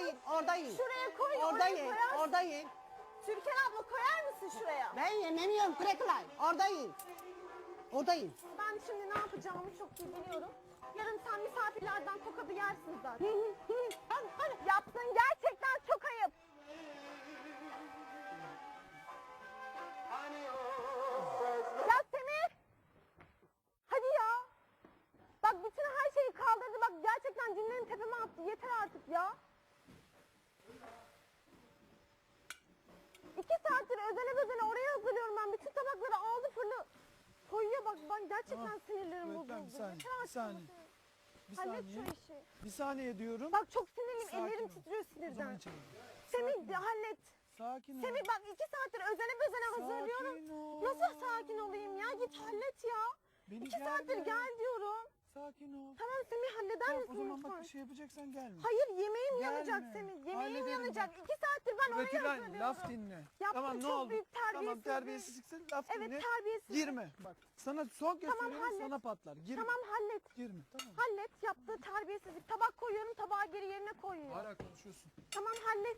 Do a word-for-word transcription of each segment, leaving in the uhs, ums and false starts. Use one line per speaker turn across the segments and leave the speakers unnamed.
yiyin, orada yiyin.
Şuraya koy,
Orada
oraya
yiyin,
koyarsın.
orada yiyin.
Türkan abla koyar mısın şuraya?
Ben yememiyorum Kuretulay. Orada yiyin. Orada yiyin.
Ben şimdi ne yapacağımı çok iyi biliyorum. Yarın sen misafirlerden tokadı yersin zaten.
Hadi, hadi.
Yaptığın gerçekten çok ayıp. Ya Semih! Hadi ya! Bak bütün her şeyi kaldırdı. Bak gerçekten cinlerin tepeme attı. Yeter artık ya. İki saattir özene özene oraya hazırlıyorum ben. Bütün tabakları aldı fırlı. Koyuyor bak ben gerçekten
Tamam.
sinirlerim
Evet,
bozuldu.
tamam, bir saniye,
Yeter
bir
artık
saniye.
ama
Bir
Semih. Hallet
saniye.
şu işi.
Bir saniye diyorum.
Bak çok sinirliyim.
Sakin
Ellerim
ol.
titriyor
O zaman
sinirden.
içelim.
Semih de hallet.
Sakin ol.
Semih bak iki saattir özene özene hazırlıyorum.
Sakin ol.
Nasıl sakin olayım ya? Git hallet ya.
Beni
İki
gelme.
saattir gel diyorum.
Sakin ol.
Tamam Semih halleder
Tamam,
misin
o zaman
lütfen?
bak bir şey yapacaksan gelme.
Hayır yemeğim
Gelme.
yanacak Semih. Yemeğim
Hallederim
yanacak.
bak.
İki saattir ben oraya
Kuretülen
hazırlıyorum.
laf dinle.
Yaptığın
Tamam ne
çok
oldu?
büyük
Tamam
terbiyesizlik.
terbiyesizliksin laf
Evet
dinle.
terbiyesiz.
Girme. Bak sana son kez
Tamam,
söylüyorum
hallet.
sana patlar. Girme.
Tamam hallet.
Girme tamam.
Hallet yaptığı terbiyesizlik. Tabak koyuyorum tabağı geri yerine koyuyor.
Hala konuşuyorsun.
Tamam hallet.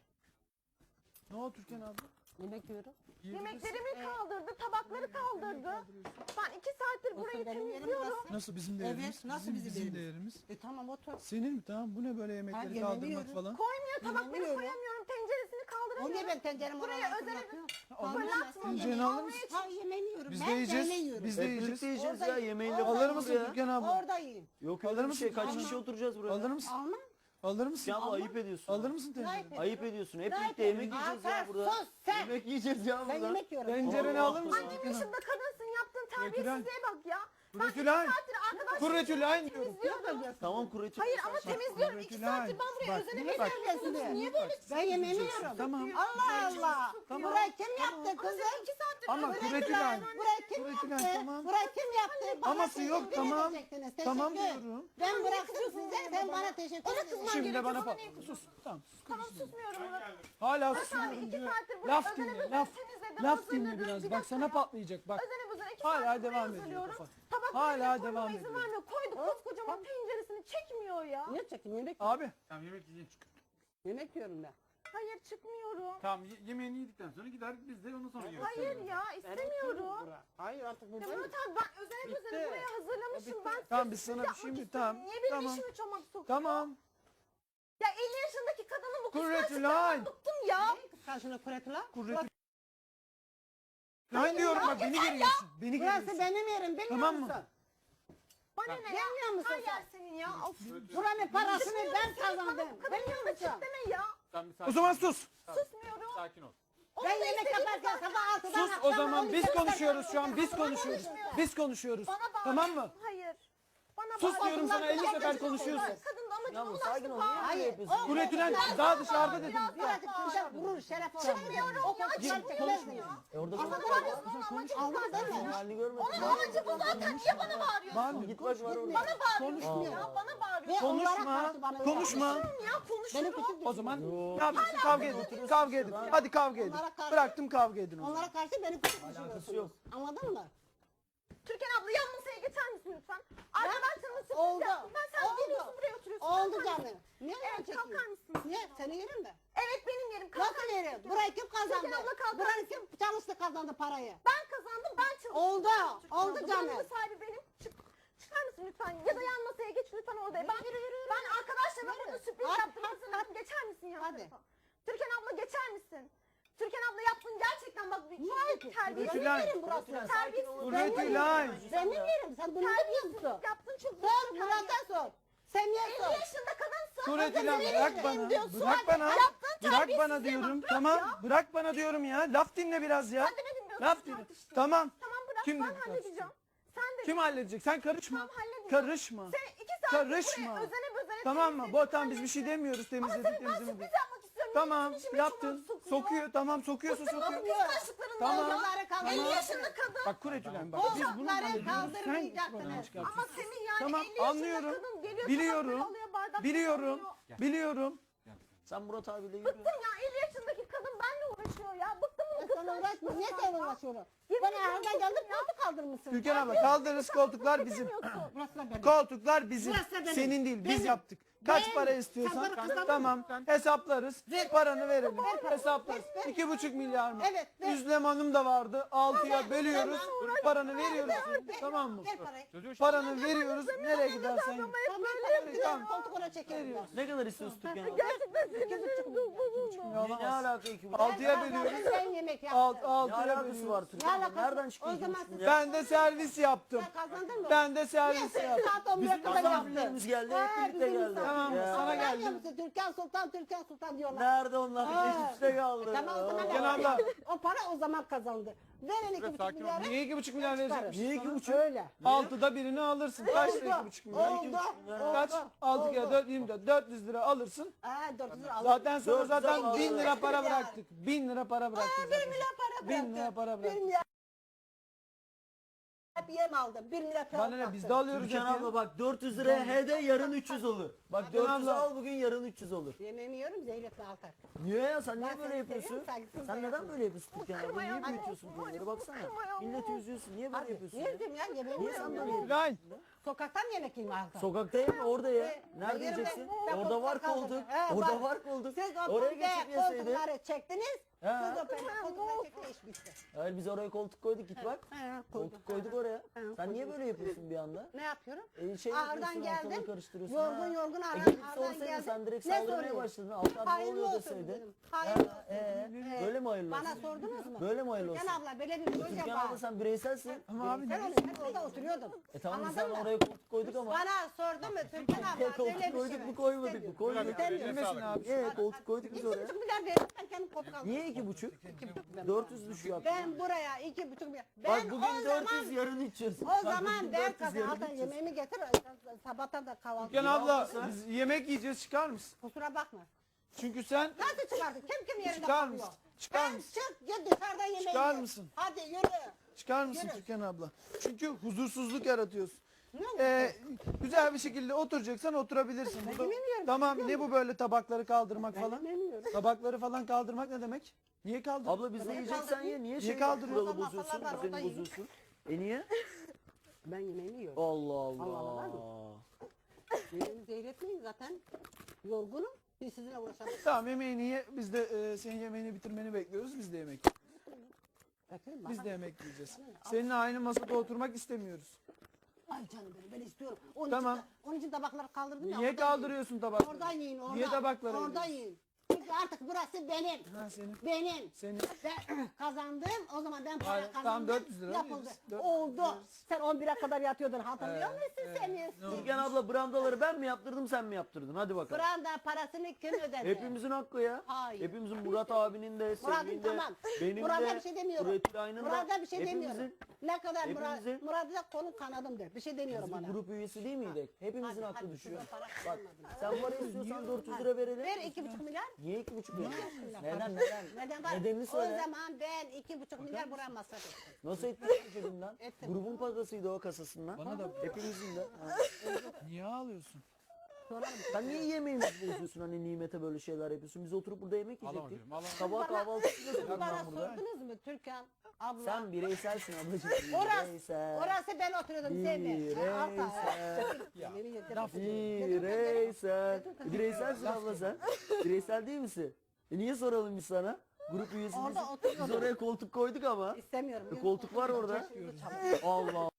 Ne oldu Türkan abla?
Yemek yiyorum.
Yemeklerimi kaldırdı, tabakları kaldırdı. Ben iki saattir burayı
benim yerim
temizliyorum.
burası.
Nasıl bizim
Evet,
değerimiz?
nasıl bizim
bizim
değerimiz?
değerimiz?
E tamam otur.
Senin mi? Tamam bu ne böyle yemekleri
yemeğimi
kaldırmak
yiyorum.
falan?
Koymuyor, tabakları
Yemiyorum.
koyamıyorum, tenceresini
O
kaldıramıyorum.
niye ben tenceremi
Buraya
oralara
özel
fırlatıyorum?
Alır mısın?
Fırlatma.
Tencereni alır mısın?
Ha yemeğini yiyorum.
Biz
ben
de yiyeceğiz.
benle yiyorum.
Biz de
Hep
yiyeceğiz.
birlikte yiyeceğiz
Orada
ya
yiyin.
yemeğiyle
Orada
Alır
kalır
mısın
ya.
Türkan abla?
Orada yiyin.
Yok
Alır
öyle bir
mısın?
şey. Kaç
Almam.
kişi oturacağız buraya?
Alır mısın?
Almam.
Alır mısın?
Ya abla
Almam.
ayıp ediyorsun.
Alır mısın tencereni?
Ayıp
Ayıp ediyorsun. Hep
Ne
birlikte yemek
yapıyorsun?
yiyeceğiz
Aa,
ya
sen
burada.
sus sen.
Yemek yiyeceğiz ya
Ben
burada.
yemek yiyorum.
Tencereni
Allah
alır mısın?
Annem
Türkan abla?
yaşında kadınsın, yaptığın terbiyesizliğe bak ya. Ben iki
Kuretülen.
saattir arkadaşlarımla
Kuretülen diyorum.
temizliyorum.
Tamam kuretü.
Hayır ama temizliyorum. İki
Kuretülen.
saattir ben buraya
Bak,
özene
bak.
bezene yapıyorsunuz. Niye böyle
Ben yemeğimi yiyorum.
Tamam.
Allah Allah.
Tamam.
Burayı kim yaptı
Ama
kızım?
sen iki saattir
Ama
özene
Kuretülen.
bezene-
Burayı kim
Kuretülen,
yaptı?
tamam.
Burayı kim yaptı? Bana
Aması yok,
teşekkür
tamam.
edecektiniz.
Tamam
Teşekkür.
diyorum.
Ben bıraktım size, sen bana teşekkür
Ona
edeceksin.
kızman
Şimdi de
gerekiyor,
bana
bana
pat.
niye
Sus. Tamam. sus.
Tamam susmuyorum Murat.
Hala
Murat abi
susuyorum
iki
diyor.
saattir burada
Laf
özene
dinle.
bezene
Laf.
temizledim,
Laf
hazırladım.
dinle biraz.
Bir
Bak
dakika
sana
ya.
patlayacak bak.
Özene bezene iki
Hala
saattir
devam
buraya
ediyor
hazırlıyorum.
kafa.
Tabakları
Hala
koymama
devam
izin
ediyor.
vermiyor. Koyduk koskocaman tenceresini çekmiyor ya.
Niye çekin? Yemek,
Abi.
Tamam yemek yiyeceğiz.
yemek yiyorum ben.
Hayır çıkmıyorum.
Tamam ye- yemeğini yedikten sonra gider biz de ondan sonra yiyoruz.
Hayır ya istemiyorum.
Hayır artık
Ya
buradayım.
Murat abi ben özene özene buraya hazırlamışım. Ben
Tamam biz
sessiz
sana
yapmak
şimdi
istiyorum.
tamam.
Niye benim
Tamam.
işimi çomak sokuyor?
Tamam.
Ya elli yaşındaki kadının bu
Kuretülen.
kıskançlıklarından bıktım ya.
Karşına Kuretula.
Kuretülen. Lan diyorum bak beni geriyorsun. Beni
Burası
geriyorsun.
benim yerim bilmiyor
Tamam mı?
musun?
Bana ne ya?
Gelmiyor musun
Her
sen?
yer senin ya. Of.
Buranın parasını
Çıkmıyorum,
ben
senin bana
kazandım.
bu kadının
Bilmiyor
yanına
musun?
çık deme ya.
Sen bir
O
sakin
zaman
ol.
sus.
Susmuyorum.
Sakin ol.
Onu
Ben
da
yemek
istediğim
yaparken
zaten-
sabah altıdan
Sus o
akşam
zaman
on
biz
ikide
konuşuyoruz şu an. Biz
Bana
konuşuyoruz.
konuşmuyor.
Biz konuşuyoruz.
Bana bağır.
Tamam mı?
Hayır. Bana
Sus
bağır.
diyorum sana, elli
Kadın
sefer
amacına
konuşuyorsun.
ulaştı. Kadın da amacına
Ya bu
ulaştı.
sakin ol.
bağır.
Niye böyle
Hayır,
yapıyorsun?
o-
Kuretülen
Biraz
daha
daha
dışarıda
bağır,
dedim.
biraz daha
Birazcık
bağır.
dışarı vurur şeref olur.
Çıkmıyorum ya. Çıkmıyorum ya.
E orada
Ama
konuş.
bağırıyorsun onun amacı bu
Aldın
zaten.
değil mi?
Halini görmedin.
Onun amacı bu zaten. Niye bana bağırıyorsun?
Bağırmıyorum.
Git bak var orada.
Bana bağırıyorsun
Konuşmuyor.
ya. Bana
Ve
bağırıyorsun.
onlara
Konuşma.
karşı bana öyle
Konuşma.
Konuşurum ya
Benim
konuşurum.
küçük
O zaman
Yo.
ne yapıyorsun? Kavga edin. Kavga edin. Hadi kavga edin.
Onlara karşı-
Bıraktım kavga edin o zaman.
Onlara karşı beni küçük
Alakası
düşürüyorsunuz.
yok.
Anladın mı?
Türkan abla yan masaya geçer misin lütfen? Arkadaşlarımla sürpriz
Oldu.
yaptım. Ben sen
Oldu.
geliyorsun buraya oturuyorsun.
Oldu
Kalkar
canım.
mısın?
Niye
Evet,
evet,
kalkar mısın?
Niye? Seni yerim de.
Evet benim yerim. Kalkar
Nasıl
mısın
yerim?
Türkan?
Burayı kim kazandı?
Türkan abla kalkar
Burayı
mısın?
kim çalıştı kazandı parayı?
Ben kazandım ben çalıştım.
Oldu.
Türkan
Oldu
abla.
canım.
Buranın sahibi benim. Çık, çıkar mısın lütfen? Ya da yan masaya geç lütfen orada. Ben, ben arkadaşlarıma
Yürü.
burada sürpriz
Hadi,
yaptım.
hadi,
Hazırladım. Geçer misin yan
Hadi.
tarafa? Türkan abla geçer misin? Türkan abla yaptın gerçekten bak.
Niye
Çok
peki?
terbiyesiz.
Benim
Kuretülen.
yerim burası.
Terbiyesiz.
Kuretülen.
Benim yerim. Sen bunu ne diyorsun?
Yaptın çok
Sor Murat'a sor. Semih'e
elli
sor.
yaşında kadınsın.
Kuretülen
Nereye
bırak
gideyim
bana.
diyorsun.
Bırak bana.
Yaptığın
Bırak bana
terbiyesizliğe
diyorum.
bak, bırak
Tamam.
ya.
Bırak bana diyorum ya. Laf dinle biraz ya.
Sen de ne dinliyorsun?
Laf dinle.
Tartıştın.
Tamam.
Tamam bırak
Kim
ben
dedi
halledeceğim. Sen de
Kim halledecek? Sen karışma.
Tamam, halledeceğim.
Karışma.
Sen iki saat
Karışma.
buraya özene bözene
Tamam mı?
temizledin,
Bu tamam biz bir şey
hallettin.
demiyoruz
Ama
temizledik
tabii ben
temizledik.
sürpriz yapmak istiyorum.
Tamam
Niye içime
yaptın.
çomak sokuyor?
Sokuyor tamam sokuyorsa
Bıktım
sokuyor.
bu kıskançlıklarından
Tamam.
ya.
Kolları kaldırın.
elli yaşında kadın.
Bak Kuretülen bak.
O
Biz bunu
hapları
hallediyoruz. Sen
kaldırmayacaktınız.
problemi
Ama
çıkartıyorsun.
senin yani
Tamam
elli yaşında
anlıyorum.
kadın geliyor
Biliyorum.
tabakları alıyor, bardakları
Biliyorum.
alıyor.
Biliyorum.
Sen Murat abiyle yürü.
Bıktım ya elli yaşındaki kadın benimle uğraşıyor ya. Bıktım bu
Sen uğraşma. Niye sen uğraşıyorsun?
Yemin
Bana
ediyorum
herden geldi
bıktım ya.
koltuk kaldırmışsın.
Türkan abla kaldırırız koltuklar bizim.
Demiyorsun.
Burası da benim.
Koltuklar bizim.
Burası da benim.
Senin değil biz
Benim.
yaptık. Kaç
Ben-
para
Sen
istiyorsan
bana kazandın
tamam hesaplarız. Paranı verelim.
Ver paranı.
Hesaplarız.
Ver, ver.
İki buçuk milyar mı?
Evet, ver.
Üzlem Hanım da vardı. Altıya
Ver,
bölüyoruz.
tamam.
Paranı veriyoruz. Tamam mı?
Ver parayı.
Çocuğu
Paranı veriyoruz. Nereye gidersen.
Tamam paranı ver.
Tamam.
Koltuk ona çekelim. ben.
Ne kadar istiyorsun Türkan abla?
Gerçekten sinirlerim çok bozuldu.
Ne, ne alaka iki buçuk?
Altıya
Ben-
bölüyoruz.
Ben yemek
Alt,
yaptım.
Ne
altıya
alakası var
bölüyoruz.
Türkan abla?
alakası var?
Nereden çıktı
O
iki
zaman
buçuk
siz-
milyar?
Ben de servis yaptım.
Sen kazandın mı?
Ben de servis yaptım.
Saat on bire
Bizim
kadar yaptı.
misafirlerimiz geldi.
Ha,
Hep birlikte
bizim
geldi.
misafirler.
Tamam,
Ya.
sana
Anlamıyor
geldim.
musun? Türkan Sultan, Türkan Sultan diyorlar.
Nerede onlar?
Ha.
Üst üste kaldı.
Tamam o zaman
Gel abla.
o para o zaman kazandı. Verin iki buçuk
sakin ol.
milyarı.
Niye iki buçuk milyar verecekmiş?
Niye iki buçuk?
Öyle.
Altıda birini alırsın. Kaç lira iki
Oldu.
buçuk milyar?
Oldu.
Kaç?
Oldu.
Altı kere
Oldu.
dört, yirmi dört. dört yüz lira alırsın.
Ha, dört yüz lira aldım.
Zaten sana
Dört yüz
zaten
al-
bin lira para
Ya.
bıraktık. Bin lira para bıraktık
Bir
zaten.
milyar para
Bin lira
bıraktı.
para
Bir
bıraktık.
milyar. Hep yem aldım. Bir milyar para
Bana ne
bıraktı.
biz de alıyoruz.
Türkan
hep ya.
abla bak dört yüz liraya H D yarın üç yüz olur. Bak
Türkan
dört yüz
abla.
al bugün yarın üç yüz olur.
Yemeğimi yiyorum Zeynep'le altar.
Niye ya sen niye
Ben
böyle
seni
yapıyorsun?
seviyorum, saygısız
Sen
da
neden
yapma.
böyle yapıyorsun Türkan abla? Niye
Kırma ya.
büyütüyorsun bunları baksana.
Kırma ya.
Milleti üzüyorsun. Niye böyle
Hadi
yapıyorsun ya?
yedim ya yemeğimi
Niye sen
yiyorum.
böyle yapıyorsun?
İbrahim.
Sokaktan yemek yiyeyim altar.
Sokakta yeme orada ya.
Ee,
Nerede
yerim
yiyeceksin?
ben. Ben
Orada var
koltukta kaldım.
koltuk.
He,
Orada
var.
var koltuk.
Siz o
Oraya
koltuğa
geçip yeseydin.
koltukları çektiniz.
He.
Siz o pe- koltukları çektiniz iş bitti.
Hayır biz oraya koltuk koyduk git bak.
He,
Koltuk koyduk oraya.
He,
Sen niye
koyduk.
böyle yapıyorsun bir anda?
Ne yapıyorum?
E, şey
Ağırdan
yapıyorsun, ortalığı
geldim.
karıştırıyorsun.
Yorgun
ha.
yorgun
E,
ağırdan,
gelip
ağırdan
sorsaydın
geldim.
sen direkt
Ne
saldırmaya
sorayım?
başladın. Altan ne
Hayırlı
oluyor
olsun
deseydin.
dedim. Hayırlı olsun.
Ee,
Evet.
böyle mi hayırlı
Bana
olsun?
sordunuz mu?
Böyle mi hayırlı
Türkan
olsun?
abla böyle bir proje
Türkan
var.
abla sen bireyselsin.
Ama abi
Ben
ne?
orada, ben orada oturuyordum.
E tamam biz
Anladın
sen
mı?
oraya koltuk koyduk ama.
Bana sordu mu Türkan abla
Ya koltuk
böyle bir
koyduk
şey
mu
var.
koymadık mı?
İstemiyorum.
Koyduk.
İstemiyorum.
Bilmesin abi.
Ee, koltuk koyduk biz
İki
oraya.
buçuk milyar verdim ben kendim kopuk aldım.
Niye iki buçuk? Dört yüz düşüyor.
Ben buraya iki buçuk milyar. Ben
Bak bugün
o
dört yüz
zaman
yarın üç yüz.
o
Bak
zaman
bugün
ben
dört yüz, yarın
kazandım.
üç yüz.
Yemeğimi getir. Sabahtan da kahvaltı.
Türkan
Ya
abla
abla sen-
biz yemek yiyeceğiz çıkar mısın?
Kusura bakma.
Çünkü sen
Nasıl çıkardın? Kim kim yerinde
Çıkar
kalıyor?
mısın? Çıkar
Ben
mısın?
çık git dışarıdan yemeği
Çıkar
ye.
mısın?
Hadi yürü.
çıkar mısın
Yürü.
Türkan abla? Çünkü huzursuzluk yaratıyorsun.
Ne oldu?
Ee, güzel bir şekilde oturacaksan oturabilirsin. Burada-
yemiyorum,
tamam ne bu böyle tabakları kaldırmak
Ben
falan?
yemiyorum.
Tabakları falan kaldırmak ne demek? Niye kaldırıyorsun?
Abla biz de
Niye
yiyeceksen
kaldırdın?
ye. Niye
Niye
şey
kaldırıyorsun?
kuralı
Masalar
bozuyorsun?
var,
Düzeni
orada yiyin.
bozuyorsun. E niye?
Ben yemeğimi yiyorum.
Allah
Allah Allah.
Allah.
Yemeğimi zehretmeyin zaten. Yorgunum. Biz sizinle uğraşalım.
Tamam yemeğini ye. Biz de e, senin yemeğini bitirmeni bekliyoruz. Biz de yemek.
Bakayım
Biz
bak.
de yemek yiyeceğiz. Seninle aynı masada oturmak istemiyoruz.
Ay canım benim ben istiyorum. Onun
Tamam.
için, onun için tabakları kaldırdım ya.
Niye
oradan
kaldırıyorsun
yiyin.
tabakları?
Oradan yiyin oradan.
Niye tabakları
Oradan
yiyorsun?
yiyin. Çünkü artık burası benim.
Ha senin.
Benim.
Senin.
Ben kazandım. O zaman ben para
Hayır, tamam,
kazandım.
dört yüz lira
Yapıldı.
veririz. dört yüz
Oldu.
veririz.
Sen on bire kadar yatıyordun. Hatırlıyor
Evet,
musun
evet.
sen?
Ne oldu?
Türkan abla brandaları ben mi yaptırdım sen mi yaptırdın? Hadi bakalım.
Branda parasını kim ödedi?
Hepimizin hakkı ya.
Hayır.
Hepimizin Murat abinin de,
Murat'ın
Sevgi'nin de,
tamam.
benim
Murat'a
de,
bir şey demiyorum.
Üretülay'ın da.
Murat'a bir şey demiyorum.
Hepimizin,
Ne kadar Murat,
hepimizin-
Murat'a kolun kanadımdır. Bir şey demiyorum
biz
ona.
bir grup üyesi değil miydik? Hepimizin
Hadi,
hakkı
hadi,
düşüyor.
şurada para
Bak
kalmadı.
sen para istiyorsan dört yüz lira verelim.
Ver iki buçuk milyar.
Niye iki buçuk lira?
milyar.
Neden neden?
Neden var?
Nedenini söyle.
O zaman ben iki buçuk milyar buraya masraf ettim.
Nasıl ettin cebimden?
Ettim.
Grubun parasıydı o kasasından.
Bana da
Hepimizin de. Ha.
niye ağlıyorsun?
Sorarım.
Sen niye yemeğimizi bozuyorsun hani nimete böyle şeyler yapıyorsun? Biz oturup burada yemek
Alamam
yiyecektik.
diyorum, alamam.
Sabah kahvaltısı yapıyorum
Bana
ben burada.
sordunuz mu Türkan abla?
Sen bireyselsin ablacığım.
Orası,
Bireysel.
orası ben oturuyordum Sevmi.
Bireysel.
Yemeğimi yedim.
Bireysel. Bireyselsin abla sen. Bireysel değil misin? E niye soralım biz sana? Grup üyesi
Orada
değilsin.
oturuyordum.
Biz oraya koltuk koyduk ama.
İstemiyorum.
E koltuk var orada. Allah